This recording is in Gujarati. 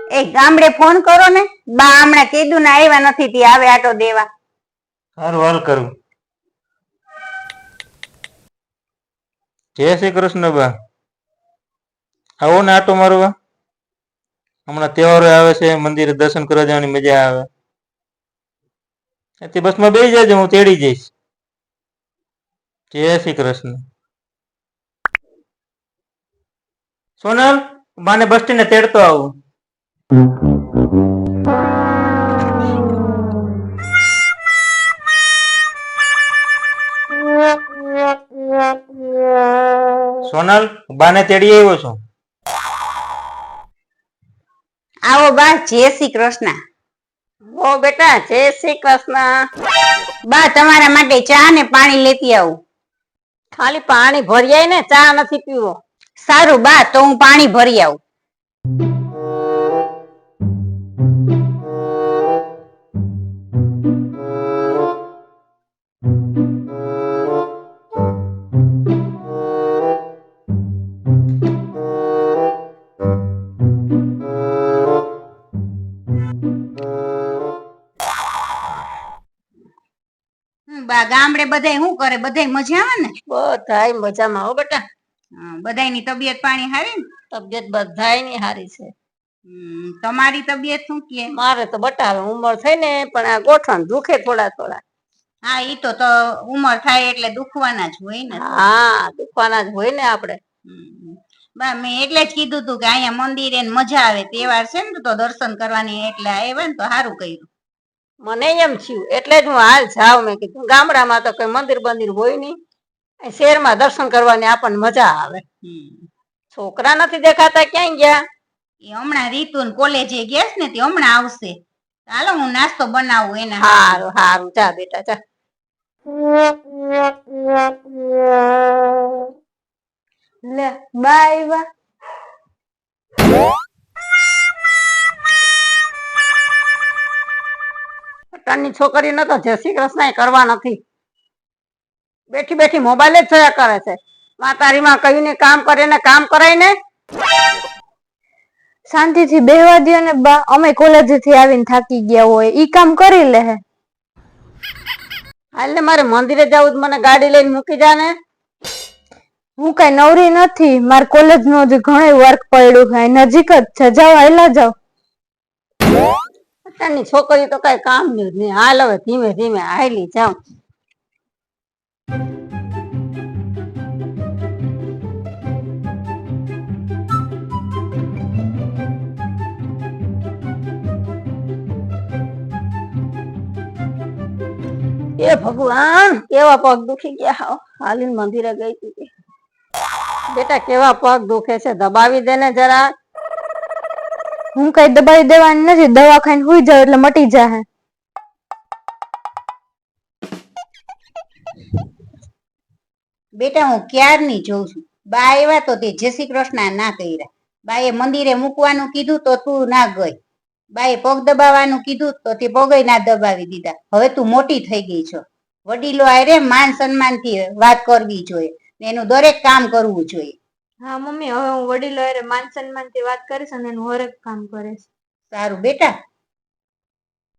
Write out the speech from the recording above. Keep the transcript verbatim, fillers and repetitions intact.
એ ગામડે ફોન કરો ને, બા હમણાં કીધું ને આવ્યા નથી તી આવે આટો દેવા. સારું હાલ કરું. જય શ્રી કૃષ્ણ બા. આવો ને આટો મારવા. હમણાં તહેવારો આવે છે, મંદિરે દર્શન કરવા જવાની મજા આવે. તે બસમાં બેસી જજો, હું તેડી જઈશ. જય શ્રી કૃષ્ણ. સોનલ, બાને બસ સ્ટેન્ડે તેડતો આવું. સોનલ, બાને તેડી આવ્યો છું. આવો બા, જય શ્રી કૃષ્ણ. ઓ બેટા, જય શ્રી કૃષ્ણ. બા તમારા માટે ચા ને પાણી લેતી આવું. ખાલી પાણી ભરી આય ને, ચા નથી પીવો. સારું બા, તો હું પાણી ભરી આવું. બા ગામડે બધાય શું કરે? બધાય મજા આવે ને? બધાય મજામાં હો બેટા. બધાયની તબિયત પાણી હારી ને? તબિયત બધાયની હારી છે. તમારી તબિયત શું કે? મારે તો બટા હવે ઉંમર થઈ ને, પણ આ ગોઠણ દુખે થોડા થોડા. હા, ઈ તો તો ઉંમર થાય એટલે દુખવાના જ હોય ને. હા, દુખવાના જ હોય ને આપણે. બા મેં એટલે જ કીધું તું કે અહીંયા મંદિરે મજા આવે, તહેવાર છે ને તો દર્શન કરવાની, એટલે આવ્યા ને તો સારું કર્યું. મને એમ થયું એટલે જ હું હાલ જાઉં. મેં કીધું ગામડામાં તો કઈ મંદિર બંદિર હોય નહીં, શહેરમાં દર્શન કરવાની આપણને મજા આવે. છોકરા નથી દેખાતા, ક્યાંય ગયા? એ હમણાં રીતુ ને કોલેજે ગયા છે ને, તે હમણાં આવશે. ચાલો હું નાસ્તો બનાવું એને. સારું સારું, જા બેટા જા. લે બા આવ્યા. ની છોકરી ન તો જય શ્રી કૃષ્ણ કરવા નથી, બેઠી બેઠી મોબાઈલ જ જોયા કરે છે. માતારીમાં કહ્યું ને કામ કરે ને કામ કરાય ને. શાંતિથી બેહવા દો ને બા, અમે કોલેજ થી આવીને થાકી ગયા હોય, ઈ કામ કરી લે. હાલ ને મારે મંદિરે જવું, મને ગાડી લઈને મૂકી જા ને. હું કઈ નવરી નથી, મારે કોલેજ નો હજી ઘણો વર્ક પડ્યું છે, નજીક જ છે, જાઓ હાલા જાઓ. અત્યારની છોકરી તો કઈ કામ નહીં. હાલ હવે ધીમે ધીમે હાલી જાઉં. એ ભગવાન, કેવા પગ દુખી ગયા. હાલીને મંદિરે ગઈ હતી બેટા, કેવા પગ દુખે છે, દબાવી દે ને જરા. હું કઈ દબાવી દેવાની નથી, દવા ખાઈને સુઈ જાવ એટલે મટી જાય. બેટા હું ક્યારની જોઉં છું, બા આવ્યા તો તે જય શ્રી કૃષ્ણ ના કર્યા. બાએ મંદિરે મૂકવાનું કીધું તો તું ના ગઈ. બાએ પગ દબાવવાનું કીધું તો તે પગે ના દબાવી દીધા. હવે તું મોટી થઈ ગઈ છો, વડીલો આરે માન સન્માન થી વાત કરવી જોઈએ, એનું દરેક કામ કરવું જોઈએ. હા મમ્મી, હવે હું વડીલો આરે માન સન્માન થી વાત કરીશ અને એનું હરેક કામ કરીશ. સારું બેટા,